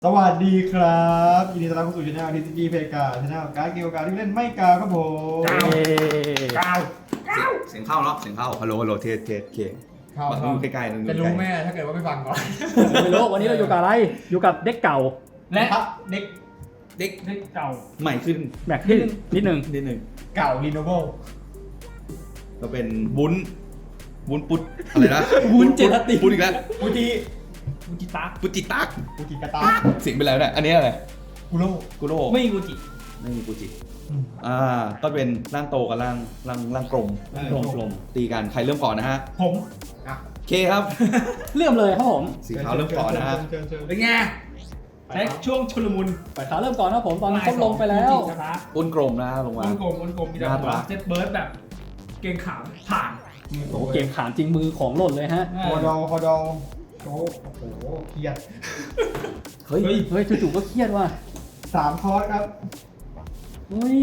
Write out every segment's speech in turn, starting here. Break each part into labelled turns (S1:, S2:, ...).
S1: สวัสดีครับยินดีต้อนรับเข้าสู่ช่อง TCG เพกาช่องการ์ดเกี่ยวกับการที่เล่นไม่กาครับผม
S2: ก้าว
S3: เสียงเข้าเนาะเสียงเข้าฮัลโหลฮัลโหลเทสเคบังอยู่ใกล้ๆนึง
S2: จะรู้แม่ถ้าเกิดว่าไม่ฟังก่อน
S4: ไม่รู้วันนี้เราอยู่กับอะไร อยู่กับเด็กเก่า
S2: และ
S1: เด็ก
S3: เด็ก
S2: เด็กเก่า
S3: ใหม่ขึ้น
S4: แม็กที่นิดนึง
S3: นิดหนึ่ง
S1: เก่ารีโนเวล
S3: เราเป็นวุ้นปุ๊ดอะไรนะ
S4: วุ้นเจลาติน
S3: ปุ๊ดอีกแล้ว
S1: ฟูจิ
S2: กูจิตา
S3: ปุ๊ดจิตัก
S1: ฟูจิกาตา
S3: เสียงเป็นอะไรเนี่ยอันนี้อะไร
S1: กุโร่
S3: กุโร่
S2: ไม่กูจิ
S3: ไม่มีกูจิก็เป็นร่างโตกับร่างกลมกลมตีกันใครเริ่มก่อนนะฮะ
S1: ผม
S3: เคครับ
S4: เริ่มเลยครับผม
S3: สีขาวเริ่มก่อนนะฮะ
S1: เชิญ
S2: เป็นไงใช้ช่วงชุลมุน
S4: ฝ่ายขาวเริ่มก่อนนะผมตอนนี้เขาลงไปแล้ว
S2: กูจิตา
S3: อ้นกลมนะลงมา
S2: วนกลมมีแต่
S3: น่า
S2: หัว
S3: รัก
S2: เซตเบิร์ดแบบเก่งขามผ่าน
S4: โอ้โหเกมขานจริงมือของหล่นเลยฮะ
S1: คอดองโอ้โหเครียด
S3: เฮ้ย
S4: เฮ้ยจู่ๆก็เครียดว่ะ
S1: 3 คอร์สครับ
S4: เฮ้ย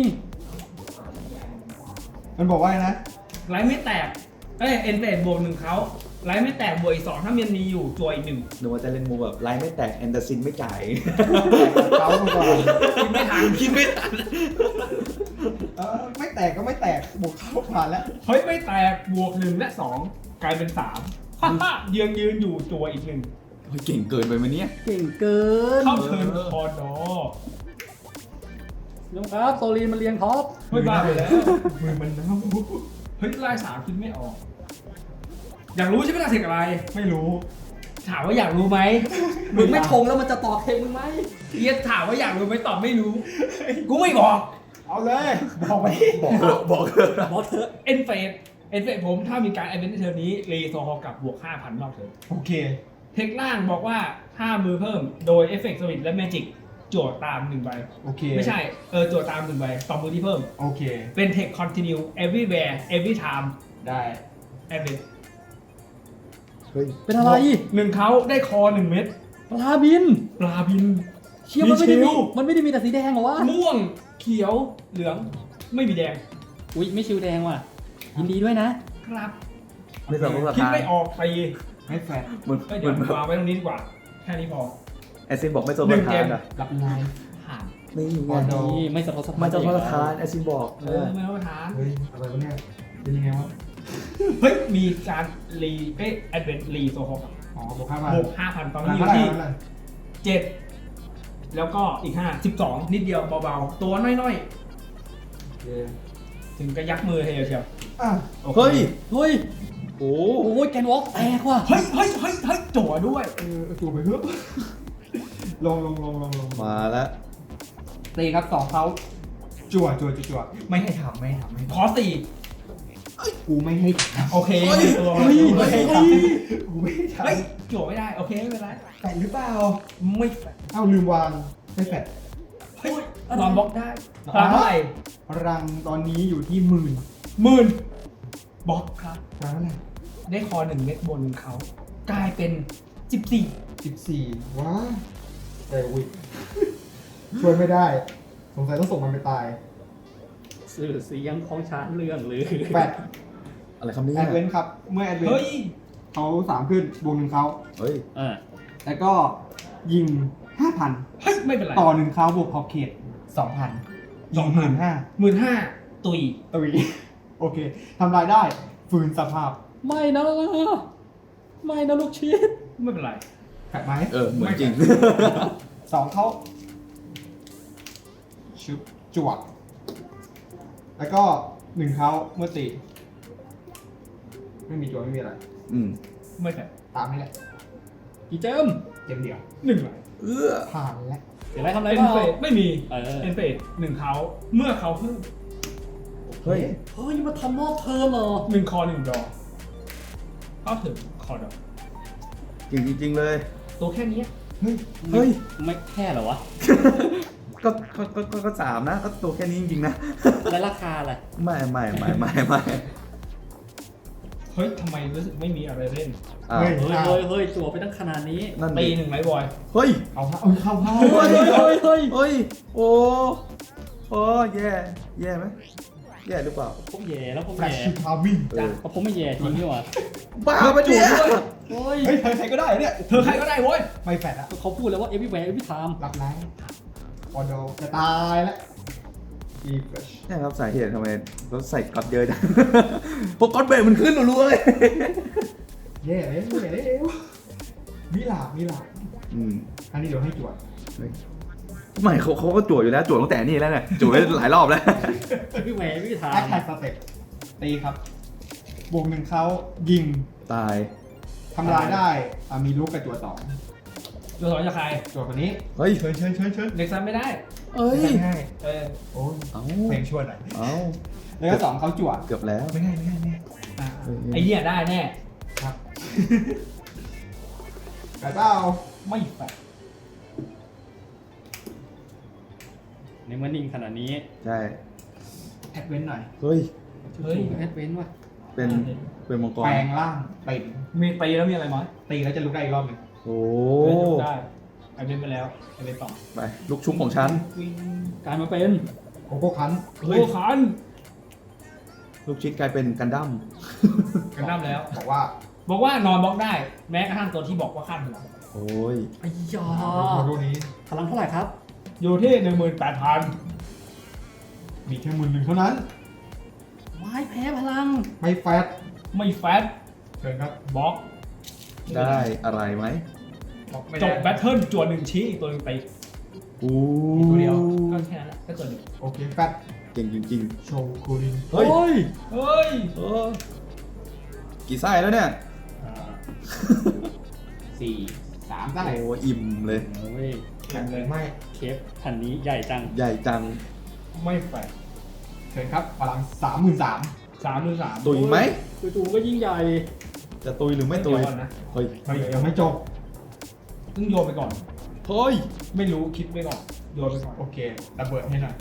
S1: มันบอกว่าไงนะ
S2: ไลท์ไม่แตกเอ้ยเอ็นเตดบวกหนึ่งเขาไลท์ไม่แตกบวกอีกสองถ้ามันมีอยู่จวยอีกหนึ่ง
S3: นึกว่าจะเล่นมูแบบไลน์ไม่แตกแอนเดอร์ซินไม่จ่าย
S1: เขามาก่อน
S2: คิดไม่ทัน
S3: คิดไม่ทัน
S1: ไม่แตกก็ไม่แตกบวกเข้าผ่านแล้ว
S2: เฮ้ยไม่แตกบวกหนึ่งและสองกลายเป็นสามยืนอยู่จวยอีกหนึ่ง
S3: เฮ้ยเก่งเกินไปไหมเนี่ย
S4: เก่งเกิน
S2: เข้าเทิร์นคอดอ
S4: ยงครับโซลีนมันเรียงท็อป
S2: เฮ้ยบ้าไปแล้วมือมันเน่าเฮ้ยไล่สามคิดไม่ออก อยากรู้ใช่ไหมล่ะเสกอะไร
S1: ไม่รู้
S2: ถามว่าอยากรู้ไหม
S4: มึงไม่ทงแล้วมันจะต่อเทมึงไหม
S2: เอียดถามว่าอยากรู้ไหมตอบไม่รู้ กูไม่บอก
S1: เอาเลยบอกไป
S3: บอกเถอะบอกเถอะ
S4: บอกเถอะ
S2: เอ็นเฟสผมถ้ามีการไอเวนต์ในเทอร์นี้รีโซฮอลกับบวก 5,000นอกเทอร์
S1: โอเค
S2: เทคล่างบอกว่าถ้ามือเพิ่มโดยเอฟเฟกต์สวิตและแมจิกโจทย์ตาม1ใบ
S1: โอเค
S2: ไม่ใช่โจทย์ตาม1ใบต่อมือที่เพิ่ม
S1: โอเค
S2: เป็นเทคคอนติเนีย everywhere every time
S1: ได้
S2: event
S3: เฮ้ย
S4: เป็นอะไร
S2: หนึ่งเขาได้คอ1เม็ด
S4: ปลาบิน
S2: ปลาบิน
S4: เชี่ยมันไม่ได้
S2: มี
S4: มี
S2: ชิล
S4: มันไม่ได้มีแต่สีแดงเหรอวะ
S2: ม่วงเขียวเหลืองไม่มีแดง
S4: อุ้ยไม่ชิวแดงว่ะยินดีด้วยนะ
S2: ครับ
S3: ไม่สนภาษา
S2: คิด
S3: ไท
S2: ไม่
S3: ย
S2: ออกไป
S1: ไม่แฟร์
S3: เหมือน
S2: เดี๋ยววางไว้ตรงนี้ดีกว่าแค่นี้พอ
S3: แอซินบอกไม่สน
S2: หนึ่
S3: ภาง ษา
S2: เกม
S3: อ่ะ
S1: รับไลน์
S2: ผ่าน
S3: นี่ไง
S4: นี่ไม่สะทกสะท้าน
S3: ไม่สนภาษาแอซินบอก
S2: ไม่ต้องมาทาน
S1: เฮ้ยอะไรวะเนี่ยเป็นยังไงวะ
S2: เฮ้ยมีการรีแอดเวนต์รีโซฮอล
S1: อ๋อบวก5,000
S2: บวก 5,000 ตอนนี้อ
S1: เท่า
S2: ยู่
S1: ไหร่
S2: ที่
S1: เท่าไหร่
S2: 7 แล้วก็อีก 5 12 นิดเดียวเบาๆ ตัวน้อย
S1: โอเค
S2: ๆ ถึงกระยักมือเฮียเชียว
S1: อ่ะ
S2: โอค
S3: เฮ้ย
S4: เฮ้ย
S3: โอ้
S4: โอ้ยแกนวอล์กแตกว่ะ
S2: เฮ้ยจั่วด้วย
S1: จูบไปเพื่อลง
S3: มาแล้ว
S1: ตีครับ2เขาจั่วไม่ให้ทำไม่ให้ทำไม่ให้
S2: ขอ
S1: กูไม่ให้ท
S2: 4 โอเคตัว
S1: ำไม่ให้ทำกูไม่ให้ท
S2: เฮ้ยจั่วไม่ได้ โอเค ไม่เป็นไร
S1: ำแฟดหรือเปล่า
S2: ไม่แฟร์
S1: เอ้าลืมวางไม่แฟด
S2: เฮ้ยนอนบล็อกได้พลังเท่าไหร่
S1: รังตอนนี้อยู่ที่10,000
S2: 10,000บล็อกครับ
S1: รังอะไร
S2: ได้คอ1เม็ดบนเขา กลายเป็น 14
S1: 14ว้าแต่อุ้ยช่วยไม่ได้ สงสัยต้องส่งมันไปตาย
S4: สื่อเสียงของชาติเรื่องหรือ
S1: แฟด
S3: อะไรคำนี้
S1: แอดเวนครับ เมื่อแอดเวน
S2: เฮ้ย
S1: เขา3ขึ้นบวก1เขา
S3: เฮ้ย
S4: อ่า
S1: แล้วก็ยิง 5,000
S2: เฮ้ย ไม่เป็นไร
S1: ต่อ1เขาบวกขอบเขต 2,000ยิง15,000
S2: 15,000ตุย
S1: ตุยโอเคทำรายได้ฟื้นสภาพ
S4: ไม่นะไม่นะลูกชิด
S2: ไม่เป็นไร
S1: แฟดไหม
S3: เหมือนจริง
S1: 2เขาชุบจวดแล้วก็1เขาเมื่อตีไม่มีจวดไม่มีอะไร
S2: ไม่แต่
S1: ตามนี่แหละ
S4: กี่เจม
S1: เกมเดียว
S2: 1เลย
S1: ผ่านแล้ว
S4: เดี๋ยวไรทำอะไร
S2: เอ็น
S4: บ้าง
S2: เฟสไม่มี
S4: เออ
S2: เอ็นเฟส1เขาเมื่อเขาเพิ่ม
S3: เฮ้ย
S4: เฮ้ยมาทำนอกเทอมเหรอ
S2: 1 คอ 1 ดอกเข้าถึงคอดอก
S3: จริงจริงๆเลย
S2: ตัวแค่เนี้ย
S1: เฮ้ย
S3: เฮ้ย
S4: ไม่แค่เหรอวะ
S3: ก็สามนะ ก็ตัวแค่นี้จริงๆนะ
S4: แล้วราคาอะไร
S3: ไม่
S2: เฮ้ยทำไมรู้สึกไม่มีอะไรเล่น
S3: อ้าว
S4: เฮ้ยจั่วไปตั้งขนาดนี้
S3: นั่น
S2: ตี
S3: ดิ
S2: 1ไลท์บอย
S3: เฮ้ย
S1: เอาเข้า
S3: เฮ้ย
S4: เฮ้ย
S3: โอ้ แย่ไหมแย่หรือเปล่า
S4: ผมแย่แล้วผม
S1: แฟลช
S4: แย่
S1: ชิพาวิ่ง
S3: เออ
S4: เพราะผมไม่แย่จริงนี่หว่า
S3: บ้าไปะเนี่ย
S4: โอ้ย
S1: เฮ้ยใครก็ได้เนี่ย
S2: เธอใครก็ได้โว้ย
S1: ไม่แฟลชอะ
S4: เขาพูดแล้วว่า everywhere every time
S1: รับแรงพอโดจะตายแล้วอีเฟช
S3: นี่ครับสาเหตุทำไมเราใส่ก๊อตเยอะจัง เพราะก๊อตเบรกมันขึ้นรัวๆเลย
S1: เย่เลยมิลาบ
S3: อืม
S1: อันนี้เดี๋ยวให้จวด
S3: ไม่เขาก็จั่วอยู่แล้วจั่วตั้งแต่นี่แล้วเนี่ยจั่วไปหลายรอบแล้ว
S4: everywhere every
S1: แอค
S4: time
S1: แท็กสเต็ปตีครับบวกหนึ่งเขายิง
S3: ตาย
S1: ทำลายได้มีลูกกับจวดสอง
S2: ตัวสองจะใคร
S1: จวดคนนี้
S3: เฮ้ย
S1: เชิญ
S2: เด็กซันไม่ได้
S3: เอ้ย
S1: ง่าย
S2: เออ
S1: โอ้ย
S3: เอ้า
S1: เพลงชวนหน่อย
S3: เอ้า
S1: แล้วก็สองเขาจวด
S3: เกือบแล้ว
S1: ไม่ง่ายอ่า
S2: ไอ้เนี่ยได้แน่
S1: ครับกระเจ้า
S2: ไม่แฟร์
S4: ในเมื่อนิ่งขนาดนี้
S3: ใช่
S1: แอดเวนหน่อย
S3: เฮ้ย
S2: เฮ้ย
S4: แอดเวนว่ะ
S3: เป็นมังกร
S1: แปลงร่างตี
S2: มีตีแล้วมีอะไรไหม
S1: ตีแล้วจะลุกได้อีกรอบหนึ่ง
S3: โอ้
S2: ได้ไอเป็นไปแล้วไอเป็นต่อ
S3: ไปลูกชุ้งของฉัน
S2: วิ่ง
S4: กลายมาเป็น
S1: โกโก้คัน
S2: โอ้ขัน
S3: ลูกชิดกลายเป็นกันดั้ม
S2: กันน้ำแล้ว
S1: บอกว่า
S2: บอกว่านอนบล็อกได้ แม้กระทั่งตัวที่บอกว่าขั้นอยู่แล้ว
S3: โอ้ย
S4: ไอ้ยา
S1: รูนี้
S4: พลังเท่าไหร่ครับ
S2: อยู่ที่ 18,000
S1: มีแค่หนึ่งเท่านั้น
S4: วายแพ้พลัง
S1: ไม่แฟต
S2: ไม่แฟต
S1: เชิญครับ
S2: บล็อก
S3: ได้อะไรไหม
S1: บอกไม่
S2: จ
S1: ได้
S2: บแบทเทิลจวนหนึ่งชี้อีกตัวหนึ่งไป
S3: อู้
S2: ตัวเดียวก็แค่นั้นแหละก็ตัวหนึ่ง
S1: โอเคแฟต
S3: เก่งจริง
S1: โชว์คูลิน
S3: ๆ เฮ้ย
S4: โอ้ย
S2: เฮ้ย
S3: เออกี่ไส้แล้วเนี่ย
S1: 3ได้
S3: โอ้อิ่มเลย
S4: โอ้ย
S1: แข่งเลยไม่
S4: เคฟพันนี้ใหญ่จัง
S3: ใหญ่จัง
S2: ไม่แฟต
S1: เชิญครับพลัง 33,000
S2: 33
S3: ตุยไหม
S4: จู่ๆก็ยิ่งใหญ่
S3: จะตุยหรือไม่ตุย
S2: เดี๋วก่อนนะ
S3: เฮ้ย
S1: เฮ้ยยังไม่จบ
S2: ต้องโยนไปก่อน
S3: เฮ้ย
S2: ไม่รู้คิดไปก่อนโยนไปก่อน
S1: โอเคระเบิดให้หน่อย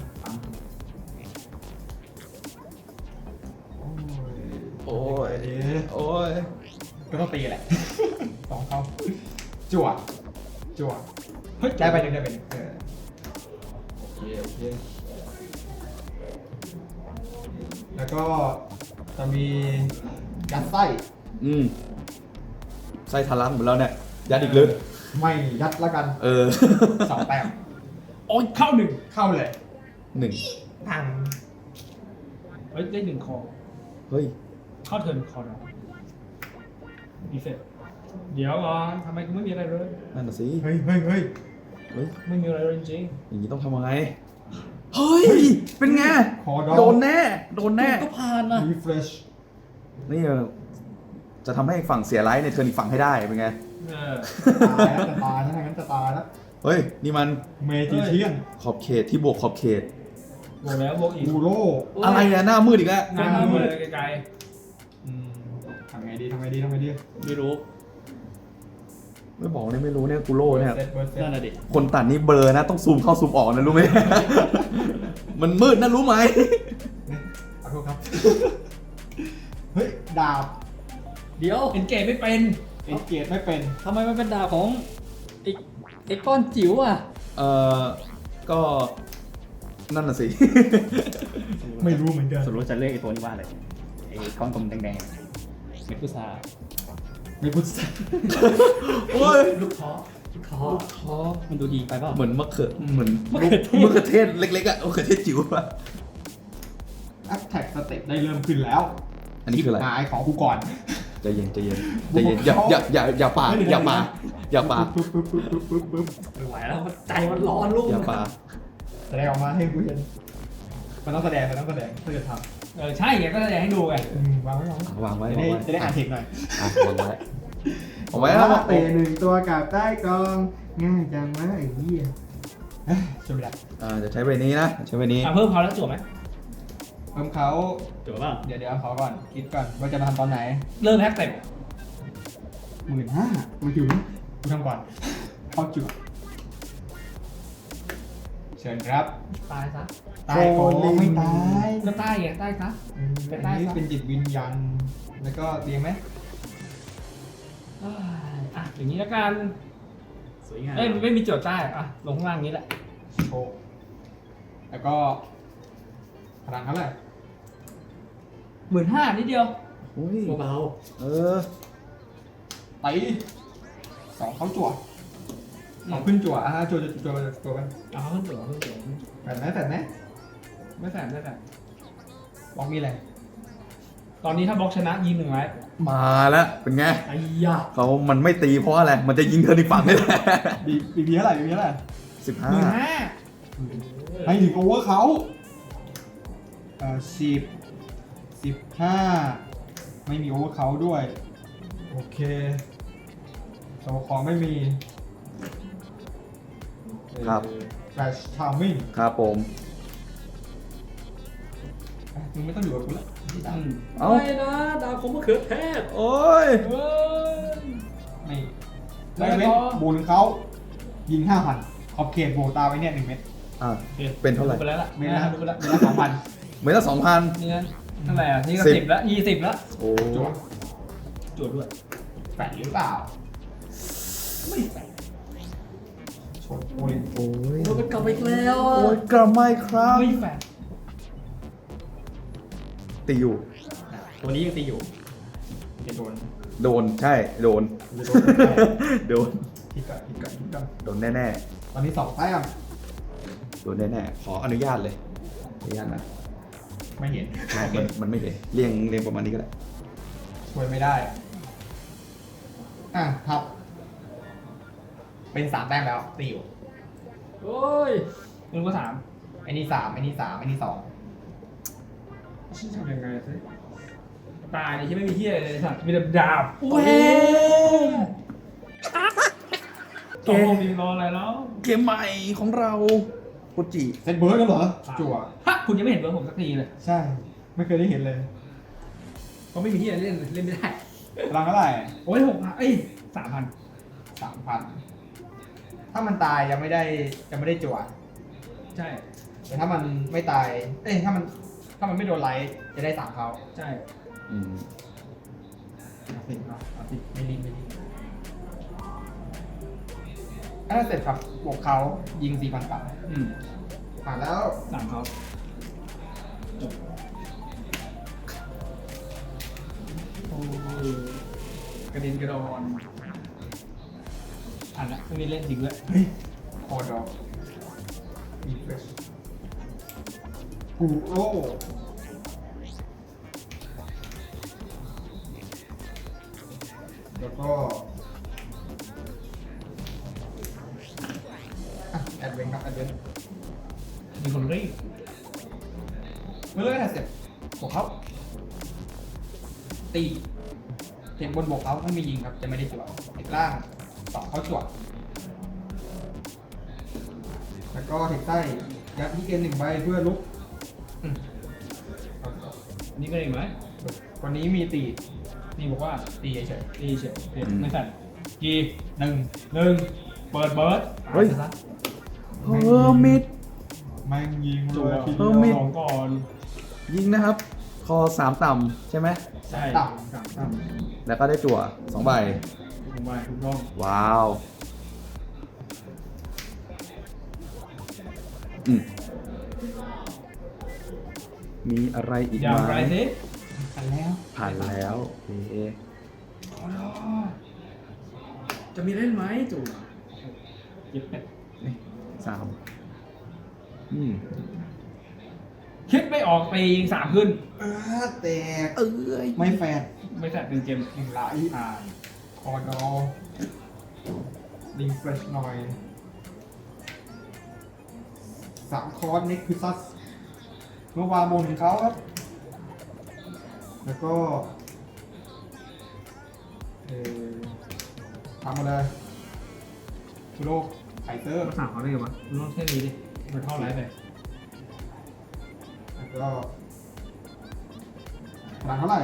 S3: โอ้ย
S1: เอ๊ะ
S3: โอ้ย
S1: ก็ต้องตีแหละ สองเขาจั่วเฮ้ยได้ไปหนึ่งโอเคแล้วก็จะมียัดไส้
S3: อืมไส้ทะลักหมดแล้วเนี่ย ยัดอีกลึก
S1: ไม่ยัดแล้วกัน
S3: เออ
S1: 2 แต้ม
S2: โอ้ยเข้าหนึ่ง
S1: เข้าเลย
S3: หนึ่ง
S1: พัง
S2: เฮ้ยได้หนึ่งคอ
S3: เฮ้ย
S2: เข้าเทิร์นคอร์ดดีเฟกเดี๋ยวก่อนทำไมกูไม่มีอะไรเลย
S3: นั่นน่ะสิ
S1: เฮ้ย
S3: เฮ้ย
S2: ไม่มีอะไรเลยจริง
S3: อย่างนี้ต้องทำยังไง เฮ้ย เป็นไง
S1: คอดอ
S3: โดนแน่ โดนแน่
S4: ก็ผ่านนะ
S1: รีเฟรช
S3: นี่จะทำให้อีกฝั่งเสียไลท์ในเทิร์นอีกฝั่งให้ได้ เป็นไง
S2: ๆเออ
S1: ตายแล้วจะตายแล้วงั้นจะตายแล้ว
S3: เฮ้ย นี่มัน
S1: เมจิเชียน
S3: ขอบเขตที่บวกขอบเขต
S2: บวกแล้วบวกอีก
S1: บูโร่
S3: อะไรอะหน้ามืดอีกแล้ว
S2: หน้ามือไกล
S1: ทำไงดี
S4: ไม่รู้
S3: ไม่บอกเนี่ยไม่รู้เนี่ยกูโร่เนี่ย
S1: เบิร์ดเซต
S4: นั่นน่ะดิ
S3: คนตัดนี่เบลอนะ ต้องซูมเข้าซูมออกนะรู้ไหม มันมืดนะรู้ไหม
S1: ขอโทษครับ เฮ้ย ดาบ
S4: เดี๋ยว
S2: ๆเอ็นเกตไม่เป็น
S1: เอ็นเกียรไม่เป็น
S4: ทำไมมันเป็นดาบของไอ้ก้อนจิ๋วอ่ะ
S3: เอ่อ ก็นั่นน่ะสิ
S1: ไม่รู้เหมือนกัน
S4: สรุปจะเรียกไอ้ตัวนี้ว่าอะไร ไอ้ก้อนกลมแดงๆเม็ดพุทรา
S1: ไม่พูดสัก
S3: โอ้ย
S2: ลูกท้อ
S4: ท้อมันดูดีไปเปล่า
S3: เหมือนมะเขือเหมือน
S4: มะเขือเทศ
S3: มะเขือเทศเล็กๆอ่ะมะเขือเทศจิ๋วอ่ะ
S1: แอคแท็กสเต็ปได้เริ่มขึ้นแล้ว
S3: อันนี้คืออะไร
S1: หายของกูก่อน
S3: ใจเย็นอย่าป่าอย่าป่า
S1: ปึ๊บ
S4: ไม่ไหวแล้วใจมันร้อนลูก
S3: อย่าป่า
S1: แสดงออกมาให้กูเห็นมันต้องแสดงถ้าจะท
S2: เออใช่ไงก็จะให้ดูไง
S1: ำวางไว้
S3: วางไว้
S1: จะได้อ่านเทคหน่อย
S3: วางไว้เอาไว้แล้ว
S1: เตะหนึ่งตัวกับใต้กองง่ายจังวะไอ้เหี้ยช่วยไม่ได้
S3: จะใช้ใบนี้นะใช้ใบนี้
S2: เพิ่มเขาแล้วจบไหม
S1: เพิ่มเขา
S4: จบป่ะ
S1: เดี๋ยวขอก่อนคิดก่อนว่าจะมาทำตอนไหน
S2: เริ่มแพ็กเต็ม
S1: 15,000กูถึงกูทำก่อนเข้าจุดเชิญครับ
S2: ตายซะ
S1: ตายก่อนไม่ตาย
S2: ก็ใต้ไงใต้ซะ เป็นได้
S1: อันนี้
S2: ซะ
S1: เป็นจิตวิญญาณแล้วก็เรียงไหม
S2: อ่ะอย่างนี้แล้วกัน
S4: สวยงาม
S2: เอ้ยไม่มีโจทย์ใต้อ่ะลงข้างล่างนี้แหละ
S1: โชว์แล้วก็พลังเท่าไหร่
S2: 15,000นิดเดียว
S3: โอ้ย
S4: เบา
S3: เออ
S1: ตีสองเขาจั่วสองขึ้นจั่วจั่วไป
S4: ๆเอาขึ้นตัวขึ้นตัว
S1: แฝดไหมแฝดไหม
S2: ไม่แฝงไม่แฝง
S1: บอกมีอะไร
S2: ตอนนี้ถ้าบล็อกชนะยิง1ไว้
S3: มาแล้วเป็นไง
S4: ไอ้ยา
S3: เขามันไม่ตีเพราะอะไร มันจะยิงเธออีกฝั่งนี่แหละ
S1: บีเท่าไหร่บีเท่าไหร่
S2: 15,000
S1: ให้ถึงโอเวอร์เขา15ไม่มีโอเวอร์เขาด้วยโอเคโซคอไม่มี
S3: ครับ
S1: แฟลชทามมิ่ง
S3: ครับผม
S1: มึงไม่ต้องอยู่กับกูแล้ว
S3: เอ้า
S4: ไม่นะดาวของมะเขือเทศ
S3: โอ้ย
S2: เฮ้ย
S1: นี่ไม่เว้นบูนเขายิง 5,000 ขอบเขตโบตาไว้เนี่ย1 เม็ด
S3: อ่ะเป็นเท่าไหร่
S2: ไปแล้วล่ะ
S1: เม็ดละ
S2: ดูไปแล้ว
S1: เม็ดละ 2,000
S3: เมตรละ2,000
S2: นี่นะเท่าไหร่อ่ะนี่ก็
S3: 10
S2: 10แล้ว20แล้ว
S3: โอ้
S1: จั่ว
S2: จวดด้วย
S1: แฝดหรือเปล่า
S2: ไม่แฝง
S1: ชนโอลิน
S3: โอ้ย
S4: โอ้ยมันกลับมาอีกแล้ว
S3: โอ้ยกระไม่ครับ
S2: ไม่แฝง
S3: ตีอยู่
S1: ตัวนี้ยังตีอยู่จะโดน
S3: โดน ใช่ โดน
S1: จะโดนแน่
S3: โดน
S1: ผิดกัน
S3: โดนแน่
S1: ตอนนี้2 แต้ม
S3: ๆ โดนแน่ๆ ขออนุญาตเลย อนุญาตนะ
S1: ไม่เห็น
S3: มันไม่เห็นเรียงประมาณนี้ก็ได้
S1: ช่วยไม่ได้ครับ เป็น3 แต้มแล้วตีอยู่
S4: โอ้ย
S2: มึงก็ถาม
S1: ไอ้นี่3ไอ้นี่3ไอ้นี่2
S2: ทำยังไงสิตายเนี่ยที่ไม่มีเที่ยเลยสัตว์มีแต่ดาบ
S4: เว้ย
S2: ตกลงมีรออะไรแล้ว
S3: เกมใหม่ของเราโคจิ
S1: เซตเบิร์ดกันเหรอ จั่ว
S2: ฮะคุณยังไม่เห็นเบอร์ผมสักทีเลย
S1: ใช่ ไม่เคยได้เห็นเลย
S2: เขาไม่มีที่เล่นเล่นไม่ได้
S1: พลังเท่าไหร่
S2: โอ้ย6,000เอ้ย3,000
S1: 3,000 ถ้ามันตายยังไม่ได้จั่ว
S2: ใช่
S1: แต่ถ้ามันไม่ตาย ถ้ามันไม่โดนไลท์จะได้3เขา
S2: ใช่
S3: อืม
S1: เอาสิไม่รีบถ้าเสร็จครับบวกเขายิง 4,000 กลับ
S2: อืม
S1: ผ่านแล้ว
S2: 3เขาจบโอ้ยกระเด็นกระดอนอ่านละไม่มีเล่นจริงด้วย
S1: เฮ้ยคอดอกอีเฟสกูโร่แล้วก็แอดเวนครับแอดเวน
S2: มีคนรีบ
S1: เมื่อเลิกเสร็จบวกเขาตีเทคบนบวกเขาถ้ามียิงครับ จะไม่ได้จั่วเทคล่าง2เขาจั่วแล้วก็เทคใต้ยัดที่เกณฑ์1 ใบเพื่อลุก
S2: อันนี้เป็นอีกไหม
S1: วันนี้มีตี
S2: นี่บอกว่า
S1: ตีเฉย
S2: ดีเฉยไม่สั่นกี
S1: ๆหนึ่ง
S2: เปิดเบิร์ด
S3: เฮ้ย เฮอร์มิด
S1: แม่งยิง
S2: จั
S1: เล
S2: วย
S1: ที
S3: เอ
S1: เดี
S3: อ
S1: ยว
S3: มี
S2: ของก่อน
S3: ยิงนะครับ คอ3ต่ำใช่ไหม
S2: ใช่
S1: ต่
S3: แล้วก็ได้จั่ว2 ใบ
S2: ผมว่าถูกต้อง
S3: ว้าว อืม มีอะไรอีก
S2: อย่าง
S3: ไหม
S2: ไรสิ
S1: กันแล้ว
S3: ผ่านแล้วโอเค
S2: จะมีเล่นไหมจู่เย็บเป็ด
S3: นี่3อืม
S2: คิดไม่ออกไปยิง3ขึ้น
S1: แตก
S3: เอ้ย
S1: ไม่แฟน
S2: ไม่แฝงเป็นเกม
S1: 1 ไหล
S2: อ่า
S1: คอดอลิงเฟรชหน่อย3 คอร์สนิกคือซัสเมื่อวานโมนของเขาครับ แล้วก็ทำมาเลยคุโรไคเตอร์
S2: มาสั่งเขาได้ไงวะมึงต้องแค่นี้ดิมันเท่าไรไป
S1: แล้วก็พลังเท่าไหร่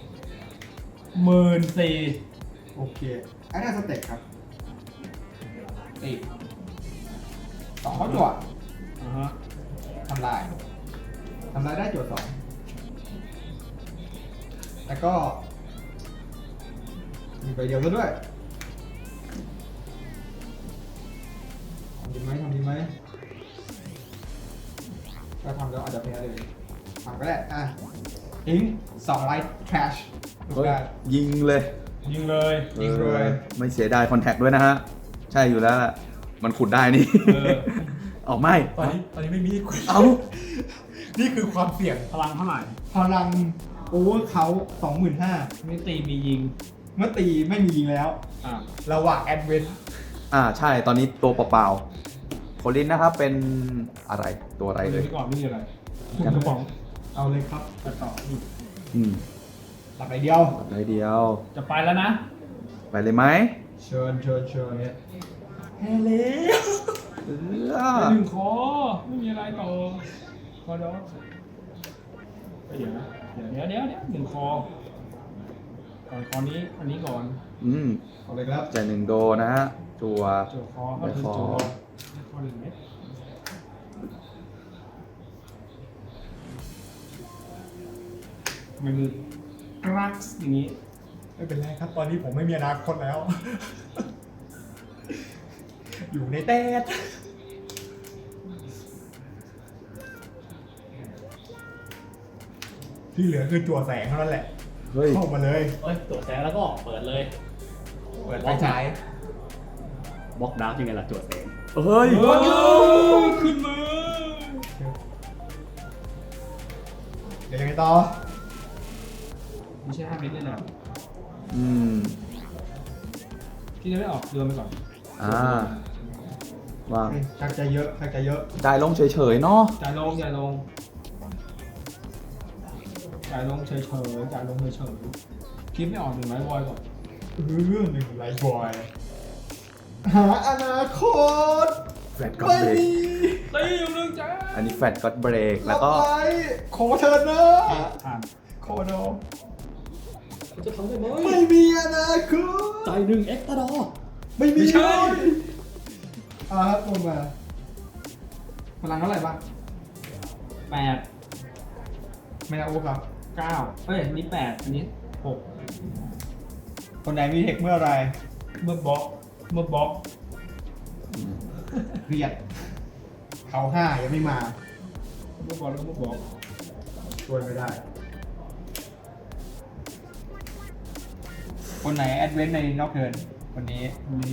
S2: 14,000
S1: โอเคอันนี้สเต็ปครับตี2เขาจั่ว
S2: อ่าฮะ
S1: ทำลายได้โจทย์2แล้วก็มีใบเดียวซะด้วยทำดีไหมถ้าทำแล้วอาจจะแพ้เลยทำก็ได้ทิ้ง2ไลท์ trash
S3: เฮ้ยยิงเลย
S2: ยิงเลย
S1: ยิงเลย
S3: ไม่เสียดายคอนแทคด้วยนะฮะ ใช่อยู่แล้วล่ะมันขุดได้นี่
S2: เออ
S3: ออกไม่
S1: ตอนนี้ไม่มีคุย
S3: เอา
S1: นี่คือความเสี่ยง
S2: พลังเท่าไหร่
S1: พลังโอเวอร์เขา 25,000
S2: ไม่ตีมียิง
S1: เมื่อตีไม่มียิงแล้ว
S2: อ่ะ
S1: ระหว่างแอดเวน
S3: ใช่ตอนนี้ตัวเปล่าๆโคลินนะครับเป็นอะไรตัวอะไร
S2: ไป
S3: เลย
S2: ก่อนไม่มีอะไรคุณกระป๋อง
S1: เอาเลยครับ
S2: ไปต่ออีก
S3: อืม
S1: หลับไปเดียว
S3: อะไรเดียว
S2: จะไปแล้วนะ
S3: ไปเลยไหม
S1: เชิญแฮเล่
S2: ไปหนึ่งคอไม่มีอะไรต่อคอดอกเดี๋ยวนะเดี๋ยวหนึ่งคอก่อนคอนี้อันนี้ก่อน
S3: อืม
S1: เอาเลยครับ
S3: จ่าย1 โดนะฮะจัว
S2: จั่วคอเข้าถึงจั่วคอหนึ่งเม็ดมันคือกรักส์อย่างนี้
S1: ไม่เป็นไรครับ ตอนนี้ผมไม่มีอนาคตแล้ว อยู่ในเต้ที่เหลือคือจั่วแสงเท่านั้นแหละ
S3: เฮ้ย
S1: เข้ามาเลย
S4: เฮ้ยตัวแสงแล้วก็เปิดเลย
S1: เปิดไฟฉาย
S4: บล็อกดาร์กยังไงล่ะตัวแสง
S3: เฮ้ย
S2: ขึ้นมา
S1: เดี๋ยวยังไงต่อ
S2: ไม่ใช่5 เม็ดเลยนะ
S3: อืม
S2: พี่จะไม่ออกเดินไปก่อน
S3: วาง
S1: ชักจะเยอะ
S3: ได้ลงเฉยๆเนาะ
S2: จ่ายลงเฉยๆคิดไม่ออกหนึ่งไม้บอยก่อน
S1: หนึ่งไลท์บอย หาอนาคต
S3: แฟลตก็
S1: ไม่
S3: เบรก
S1: มี
S2: ตีอยู่หนึ่งจ้า
S3: อันนี้แฟลตก็เบรกแล้วก็
S1: รับไขอเชิญนะ
S2: ผ่าน
S1: ขอโด
S4: คุณจะทำได้ไหม
S1: ไม่มีอนาคต
S4: จ่าย1 เอ็กซ์ตร้าดอ
S1: ไม่มี
S2: ไม่ใช่
S1: เลยครับลงมา
S2: พลังเท่าไหร่บ้าง8
S1: ไม่นะโอ้ครับ
S2: 9เอ้ยอันนี้8อันนี้6
S1: คนไหนมีเทคเมื่อไร
S2: เมื่อบล็อก
S1: เครียด เขา5ยังไม่มา
S2: เมื่อบล็อก
S1: ช่วยไม่ได้ คนไหนแอดเวนต์ในนอกเทิร์นคนนี้
S2: อันนี้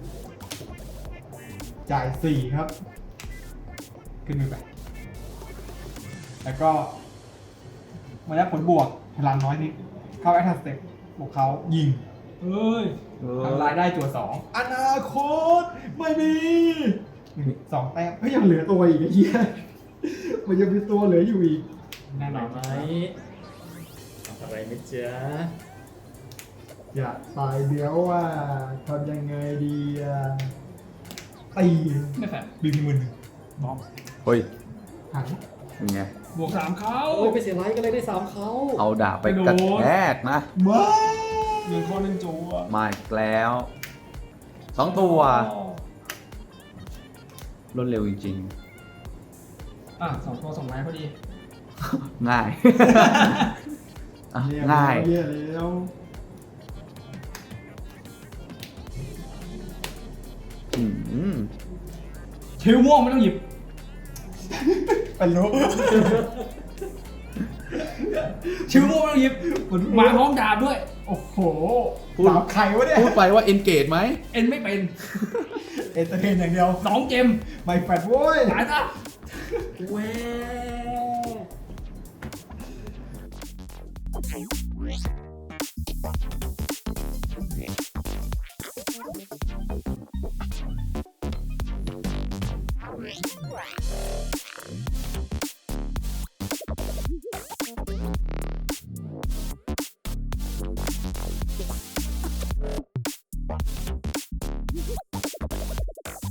S1: จ่าย 4 ครับ ขึ้นมือไป แล้วก็เมื่อได้ผลบวกพลังน้อยนิด เข้าแอคทัสเต็ปบวกเขายิง
S2: เฮ้ย
S1: ทำลายได้จั่ว2อนาคตไม่มี2 แต้มเฮ้ยยังเหลือตัวอีกไอ้เหี้ยมันยังมีตัวเหลืออยู่อีก
S2: แน่นอน
S4: ไหมอะไรไหมจ๊ะ
S1: อย่าตายเดี๋ยวว่าทำยังไงดีอ่ะตี
S2: ไม่แฟร์
S1: บีพีมือหนึ่ง
S2: บล็อก
S3: เฮ้ย
S1: หัน
S3: ยังไง
S2: บวก3เขา
S4: โอ้ยไปเสียไลท์ก็เลยได้3เขา
S3: เอาดาบไปกระแทกนะ
S1: มา
S2: หนึ่งข้อหนึ่งจัว
S3: มาอีกแล้ว2 ตัวรวดเร็วจริง
S2: 2 ตัว2 ไม้พอดี
S3: ๆ ง่าย อ่ะ
S1: เยี่ยม
S3: ง่าย
S1: เยี่ยมแล้ว
S3: อืม
S2: ชิวม่วงไม่ต้องหยิบ
S1: เป็นรู้
S2: ชิวม่วงไม่ต้องหยิบมาพร้อมดาบด้วย
S1: โอ้โห
S3: พูด
S1: สามไข่วะเนี่ย
S3: พูดไปว่า engage ไหม
S2: เอ็นไม่เป็น
S1: เอนเตอร์เทนอย่างเดียว
S2: 2 เกม
S1: ไม่แฟดโว้ย
S2: ตายซะ
S4: แหว